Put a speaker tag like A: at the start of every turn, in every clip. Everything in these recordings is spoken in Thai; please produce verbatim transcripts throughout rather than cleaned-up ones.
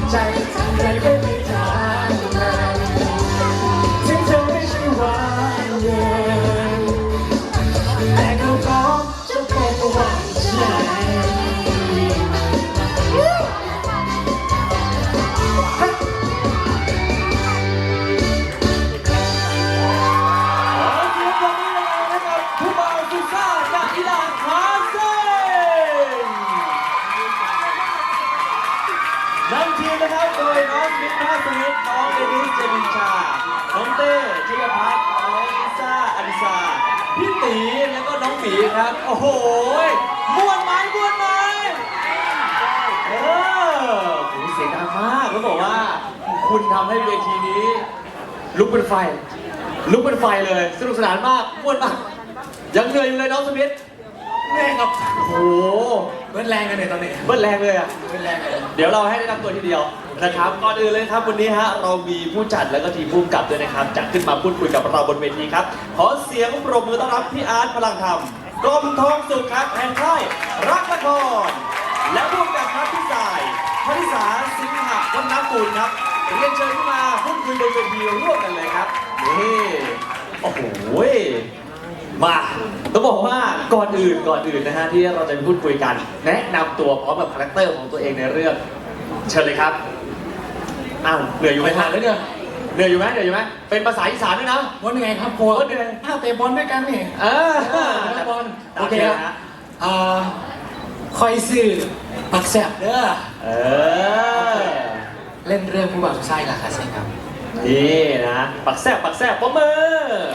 A: ใจใจไม่ไปทางไหนถึงเธอไม่ใช่หวานเย็นแต่เขาก็จะเป็นหวานใจ
B: นำทีมนะครับโดยน้องมิตรนาสมิทน้องเดนิสเจมินชาน้องเต้ชยพัฒน์น้องลิซ่าอลิซาพี่ตีแล้วก็น้องหมีครับโอ้โหม้วนไม้ม้วนไม้เออโหเสียงดังมากแล้วบอกว่าคุณทำให้เวทีนี้ลุกเป็นไฟลุกเป็นไฟเลยสนุกสนานมากม้วนมากยังเหนื่อยอยู่เลยน้องสมิทแรงครับโอ้โห
A: เบิ้ลแรงกันเนี่ยตอนนี้
B: เบิ้ลแรงเลยอ่ะ
A: เบิ้ลแรงกัน
B: เดี๋ยวเราให้แนะนำตัวทีเดียวนะครับก่อนอื่นเลยครับวันนี้ฮะเรามีผู้จัดแล้วก็ทีมผู้กำกับด้วยนะครับจะขึ้นมาพูดคุยกับเราบนเวทีครับขอเสียงปรบมือต้อนรับพี่อาร์ตพลังธรรมกรมทองสุขครับแห่งค่ายรักละครและผู้กำกับครับพี่สายพนิสาสิงหะวัฒนกุลครับเรียนเชิญขึ้นมาพูดคุยบนเวทีร่วมกันเลยครับนี่โอ้โหมาต้องบอกว่าก่อนอื่นก่อนอื่นนะฮะที่เราจะพูดคุยกันแนะนำตัวพร้อมกับคาแรคเตอร์ของตัวเองในเรื่องเชิญเลยครับอ้าวเหนื่อยอยู่ไหมฮะ
A: แล้วเนี่ย
B: เหนื่อยอยู่ไหมเหนื่อยอยู่ไหมเป็นภาษาอีสานด้วยนะ
A: วันยังไงครับโค้ชอ้าวเตะบอลด้วยกันนี่
B: เออ
A: เตะบอล
B: โอ
A: โอ
B: เค
A: เค
B: ค
A: ค
B: รั
A: รั
B: บบ
A: อ่าคอยสื่อปักแสบเด้อ
B: เออ
A: เล่นเรื่องผู้บ่าวสุดท้ายล่ะครับใช่ครับ
B: นี่นะปักแซบปักแซบปรบมือ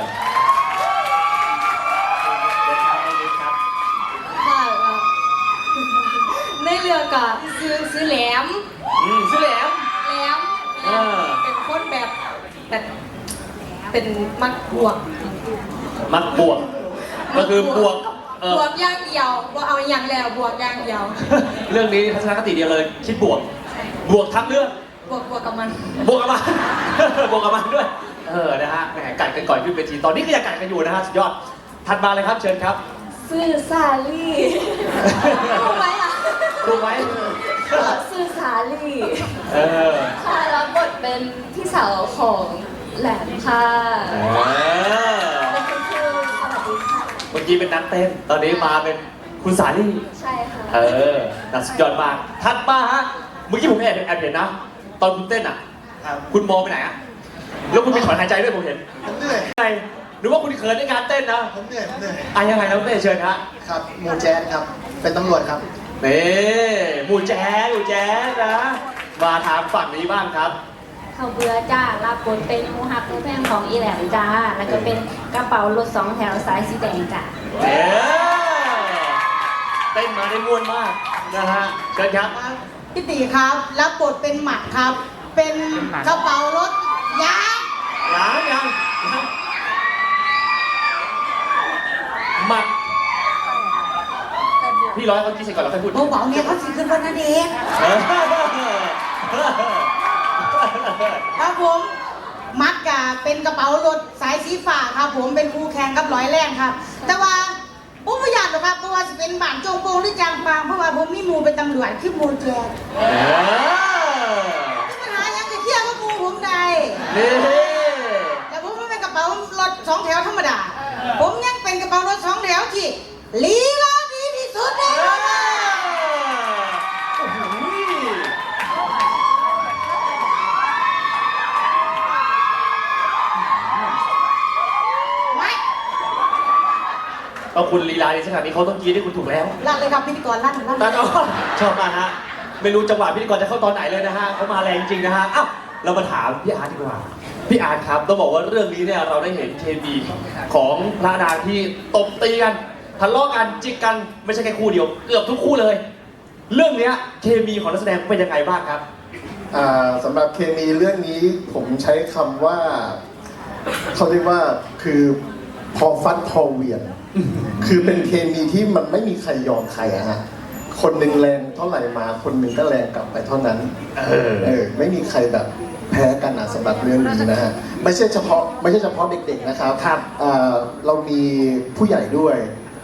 C: ค่ะในเรือกับซื้อซื้อแหลม
B: อืมชื่อแหลม
C: แหลม
B: เออ
C: เป็นคนแบบแบบเป็นมักบวก
B: มักบวกก็คือบวกเออบ
C: วกอย่างเดียวว่าเอาอย่างแล้วบวกอย่างเดียว
B: เรื่องนี้ทัศนคติเดียวเลยคิดบวกบวกทั้งเรื่อง
C: บวกบวกกับมัน
B: บวกกับมัน บวกกับมันด้วย เออ นะฮะ แหม กัดกันก่อนขึ้นเวที ตอนนี้ก็ยังกัดกันอยู่นะฮะ สุดยอด ถัดมาเลยครับ เชิญครับ
C: ซื้อซาลี่รู้ไหมอ่ะ
B: รู้ไหม
C: ซื้อซาลี่
B: เออ
C: ค่ะรับบทเป็นพี่สาวของแหลมค่ะ
B: เออ
C: เป็นคุณครูสวัสดีค่ะ
B: เมื่อกี้เป็นนักเต้น ตอนนี้มาเป็นคุณสาลี่
C: ใช่ค่ะ
B: เออน่าสุดยอดมาก ถัดมาฮะ เมื่อกี้ผมแอบแอบเห็นนะ ตอนคุณเต้นอ่ะ คุณมองไปไหนอ่ะ แล้วคุณมีถอนหายใจด้วยผมเห็น
D: ผมเหนื่อย
B: ไงหรือว่าคุณเขินในการเต้นนะ
D: ผมเหนื่อย ผมเหนื่อย
B: อ่ะยังไงน้องเต้เชิญฮะ
D: ครับหมูแจ๊ดครับ เป็นตำรวจครับ
B: นี่หมูแจ๊สหมูแจ๊สนะ มาทางฝั่งนี้บ้างครับ
E: เขาเบื่อจ้ารับบทเป็นมูฮักมูแพงของอีแหลมจ้า แล้วก็เป็นกระเป๋ารถสองแถวสายสีแดงจ้า
B: เอ๊เต้นมาได้ม่วนมากนะฮะเชิญครับ
F: พี่ตีครับรับบทเป็นหมัดครับ เป็นกระเป๋ารถยักษ์
B: ยังยังหมัดพี่ร้อยเขากินเสร็จก่อนแล้วค่อยพูด
F: เบาๆเนี่ยเขาสิขึ้นวันนั้นเอง
B: เออ
F: ครับผมมัดกะเป็นกระเป๋ารถสายสีฟ้าครับ ผมเป็นครูแข่งกับร้อยแรงครับ แต่ว่าผมไม่อยากหรอกครับเพราะว่าจะเป็นบ้านโจงโปงหรือจางปางเพราะว่าผมมีหมูเป็นตำรวจคือหมูแจ๊ด
B: เออ
F: ปัญหายังจะเที่ยวกับหมูผมได้
B: นี่
F: แต่ผมไม่เป็นกระเป๋ารถสองแถวธรรมดา ผมยังเป็นกระเป๋ารถสองแถวที่ลีลาดีที่สุดเลย
B: โอ้โห
F: ไว้
B: เอาคุณลีลาในขนาดนี้เขาต้องกรีดให้คุณถูกแล้ว
F: ลั่นเลยครับพิธีกรลั่นลั่น
B: ตาก็ชอบมากฮะไม่รู้จังหวะพิธีกรจะเข้าตอนไหนเลยนะฮะเขามาแรงจริงนะฮะอ้าวเรามาถามพี่อาร์ตดีกว่าพี่อาร์ตครับต้องบอกว่าเรื่องนี้เนี่ยเราได้เห็นเคมีของพระนางที่ตบตีกันทะเลาะกันจิกกันไม่ใช่แค่คู่เดียวเกือบทุกคู่เลย เรื่องเนี้ยเคมีของนักแสดงเป็นยังไงบ้างครับ
D: อ่าสำหรับเคมีเรื่องนี้ผมใช้คำว่าเขาเรียกว่าคือพอฟัดพอเหวียน คือเป็นเคมีที่มันไม่มีใครยอมใครอะฮะคนหนึ่งแรงเท่าไหร่มาคนหนึ่งก็แรงกลับไปเท่านั้น
B: เออ
D: เออไม่มีใครแบบแพ้กันนะสำหรับเรื่องนี้นะฮะไม่ใช่เฉพาะไม่ใช่เฉพาะเด็กๆนะครับ
B: ครับ
D: อ่าเรามีผู้ใหญ่ด้วย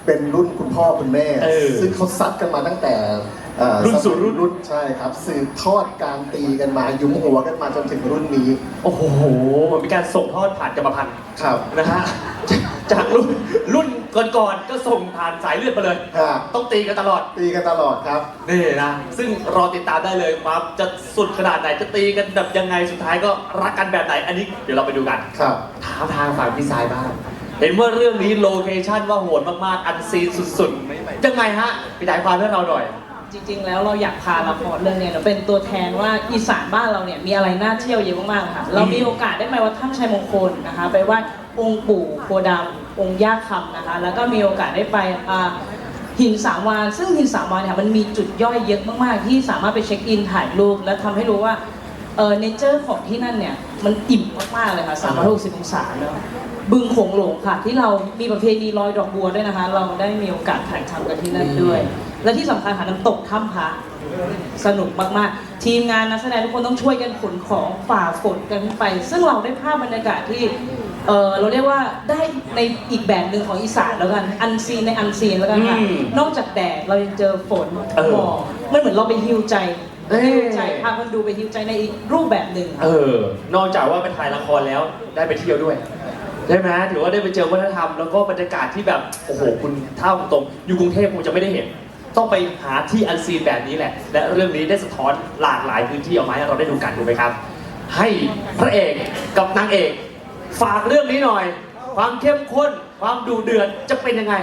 D: เป็นรุ่นคุณพ่อคุณแม่
B: เออ
D: ซึ่งเขาซัดกันมาตั้งแต่เอ่อ
B: รุ่นสู่รุ่น
D: รุ่นใช่ครับสืบทอดการตีกันมายุ้มหัวกันมาจนถึงรุ่นนี้
B: โอ้โหมันเป็นการส่งทอดผ่านกรรมพันธุ์
D: ครับ
B: นะฮะ จากรุ่นรุ่นก่อนๆก็ส่งผ่านสายเลือดมาเลย
D: ครับ
B: ต้องตีกันตลอด
D: ตีกันตลอดครับ
B: นี่นะซึ่งรอติดตามได้เลยว่าจะสุดขนาดไหนจะตีกันแบบยังไงสุดท้ายก็รักกันแบบไหนอันนี้เดี๋ยวเราไปดูกัน
D: ครับ
B: ถามทางฝั่งพี่สายบ้างเห็นว่าเรื่องนี้โลเคชั่นว่าโหดมากๆอันซีนสุดๆยังไงฮะพี่สายความให้เราหน่อย
C: จริงๆ แล้วเราอยากพาละครเรื่องเนี้ยเป็นตัวแทนว่าอีสานบ้านเราเนี่ยมีอะไรน่าเที่ยวเยอะมากๆค่ะ เรามีโอกาสได้ไปวัดถ้ำชัยมงคลนะคะ ไปไหว้องค์ปู่โพธิ์ดำองค์ย่าคำนะคะ แล้วก็มีโอกาสได้ไปอ่าหินสามวานซึ่งหินสามวานเนี่ยมันมีจุดย่อยเยอะมากๆ ที่สามารถไปเช็คอินถ่ายรูปและทำให้รู้ว่าเออเนเจอร์ของที่นั่นเนี่ยมันอิ่มมากๆเลยค่ะสามร้อยหกสิบองศาเนาะบึงโขงหลงค่ะที่เรามีประเพณีลอยดอกบัวด้วยนะคะ เราได้มีโอกาสถ่ายทำกันที่นั่นด้วย และที่สำคัญค่ะน้ำตกถ้ำพระสนุกมากๆ ทีมงานนักแสดงทุกคนต้องช่วยกันขนของฝ่าฝนกันไป ซึ่งเราได้ภาพบรรยากาศที่เออเราเรียกว่าได้ในอีกแบบหนึ่งของอีสานแล้วกันอันซีนในอันซีนแล้วกันค่ะ
B: อืม
C: นอกจากแดดเรายังเจอฝน
B: เออ
C: หมอกมันเหมือนเราไปฮิวใจ
B: เอ้ย
C: ฮิวใจพาคนดูไปฮิวใจในอีกรูปแบบหนึ่งค่ะ
B: เออนอกจากว่าไปถ่ายละครแล้วได้ไปเที่ยวด้วยใช่ไหมถือว่าได้ไปเจอวัฒนธรรมแล้วก็บรรยากาศที่แบบโอ้โหคุณเท่าตรงอยู่กรุงเทพคงจะไม่ได้เห็น ต้องไปหาที่อันซีนแบบนี้แหละ และเรื่องนี้ได้สะท้อนหลากหลายพื้นที่ออกมาให้เราได้ดูกันถูกไหมครับ ให้พระเอกกับนางเอก ฝากเรื่องนี้หน่อย ความเข้มข้นความดูเดือดจะเป็นยังไง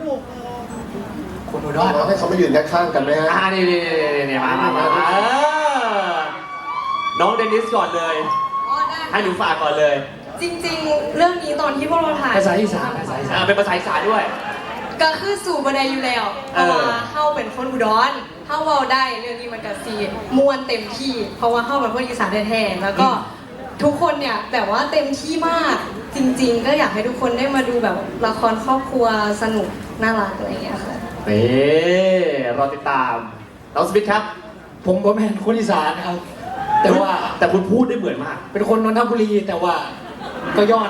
D: คุณอุดรให้เขามายืนข้างๆกันไหมฮะ
B: อ่านี่นี่นี่นี่มามามามาเออน้องเดนิสก่อนเลย
G: อ๋อได้
B: ให้หนูฝากก่อนเลย
G: จริงๆ เรื่องนี้ตอนที่พวกเราถ่าย
B: ภาษาอีสานภาษาอีสานเป็นภาษาอีสานด้วย
G: ก็คือสู่บันไดอยู่แล้วเพ
B: เออ
G: ราะว่าเฮาเป็นคนอุดรเฮาเว้าได้เรื่องนี้มันก็ซีมวนเต็มที่ เพราะว่าเฮาเป็นคนอีสานแท้ๆแล้วก็ทุกคนเนี่ยแบบว่าเต็มที่มากจริง ๆ ก็อยากให้ทุกคนได้มาดูแบบละครครอบครัวสนุกน่ารักอะไรอย่างเงี้ยค่ะ
B: นี่รอติดตามน้องสมิธครับ
H: ผมผมเป็นคนอีสานนะครับ แต่ว่า
B: แต่คุณพูดได้เหมือนมาก
H: เป็นคนนนทบุรีแต่ว่าก็ย้อน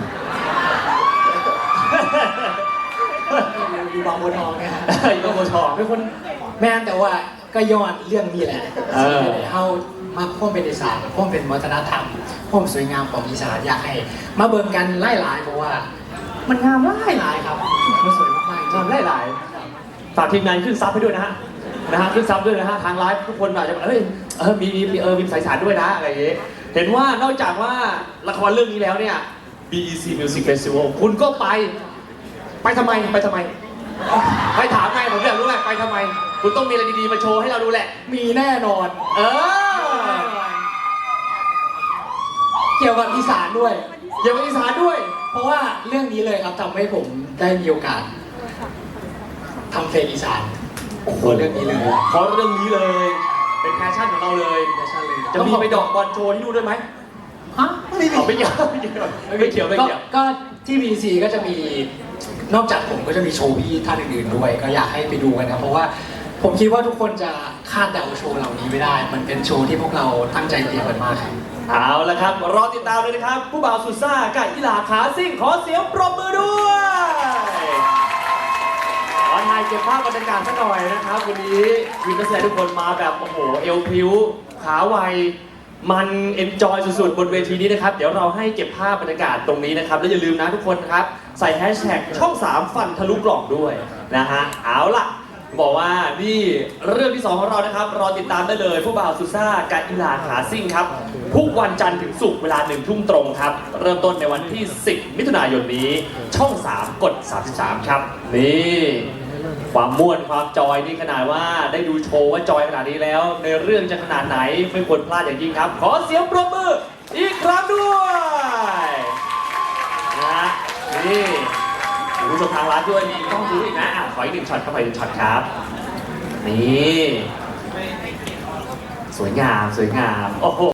H: อยู่บางบัวทองเนี่ยฮะ
B: อยู่บางบัวทอง
H: เป็นคนแม่นแต่ว่าก็ย้อนเรื่องนี้แหละ
B: เออ
H: เขามาพ่วงเป็นอีสานพ่วงเป็นวัฒนธรรมพ่วงสวยงามของอีสานอยากให้มาเบิ่งกันไล่หลายๆเพราะว่า มันงามไล่หลายๆครับมันสวยมากๆจริ
B: ทำได้หลายฝากทีมงานขึ้นซับให้ด้วยนะฮะนะฮะขึ้นซับด้วยนะฮะทางไลฟ์ทุกคนอาจจะแบบเอ้ยเออมีมีเออมีสายสารด้วยนะอะไรอย่างเงี้ยเห็นว่านอกจากว่าละครเรื่องนี้แล้วเนี่ย บี อี ซี Music Festival คุณก็ไป ไปทำไมไปทำไมไปถามไงผมอยากรู้ไงไปทำไม คุณต้องมีอะไรดีๆมาโชว์ให้เราดูแหละ
H: มีแน่นอน
B: เออ
H: เกี่ยวกับอีสานด้วย
B: อย่าไปอีสานด้วย
H: เพราะว่าเรื่องนี้เลยครับทำให้ผมได้มีโอกาสทำเพลงอีสานโอ้โหเรื่องนี้เลย
B: เพราะเรื่องนี้เลย เป็นแพชชั่นของเราเลย
H: แฟชั่นเลย
B: จะมีไปดอกบอลโชว์ที่นู่นด้วยไหม
H: ฮะไม่มี
B: เอาไม่เกี่ยวไม่เกี่ยวไม่เกี่ยวไม่
H: ก็
B: เกี่ยว
H: ก็ที่ บี ซี ก็จะมีนอกจากผมก็จะมีโชว์พี่ท่านอื่นๆด้วย ก็อยากให้ไปดูกันนะเพราะว่าผมคิดว่าทุกคนจะคาดเดาโชว์เหล่านี้ไม่ได้ มันเป็นโชว์ที่พวกเราตั้งใจเตรียมกันมากครับ
B: เอาละครับ รอติดตามเลยนะครับ ผู้บ่าวสุดซ่ากับอีหลาขาซิ่งขอเสียงปรบมือด้วยขอถ่ายเก็บภาพบรรยากาศสักหน่อยนะครับ วันนี้ทีมนักแสดงทุกคนมาแบบโอ้โหเอวพริ้ว ขาไว มันเอนจอยสุดๆ บนเวทีนี้นะครับ เดี๋ยวเราให้เก็บภาพบรรยากาศตรงนี้นะครับ แล้วอย่าลืมนะทุกคนนะครับ ใส่แฮชแท็กช่องสามฟันทะลุกล่องด้วยนะฮะเอาล่ะ บอกว่านี่เรื่องที่สองของเรานะครับ รอติดตามได้เลยผู้บ่าวสุซ่ากับอีหลาขาซิ่งครับ ทุกวันจันทร์ถึงศุกร์เวลาหนึ่งทุ่มตรงครับ เริ่มต้นในวันที่ สิบ มิถุนายนนี้ ช่อง สาม กด สามสิบสาม ครับ นี่ ความม่วนความจอยนี่ขนาดว่าได้ดูโชว์ว่าจอยขนาดนี้แล้ว ในเรื่องจะขนาดไหนไม่ควรพลาดอย่างยิ่งครับ ขอเสียงปรบมืออีกครั้งด้วยนะฮะนี่คุณผู้ชมทางร้านด้วยมีต้องดูอีกนะอ่ะขออีกหนึ่งช็อตเข้าไปหนึ่งช็อตครับ นี่ สวยงามสวยงาม โอ้โห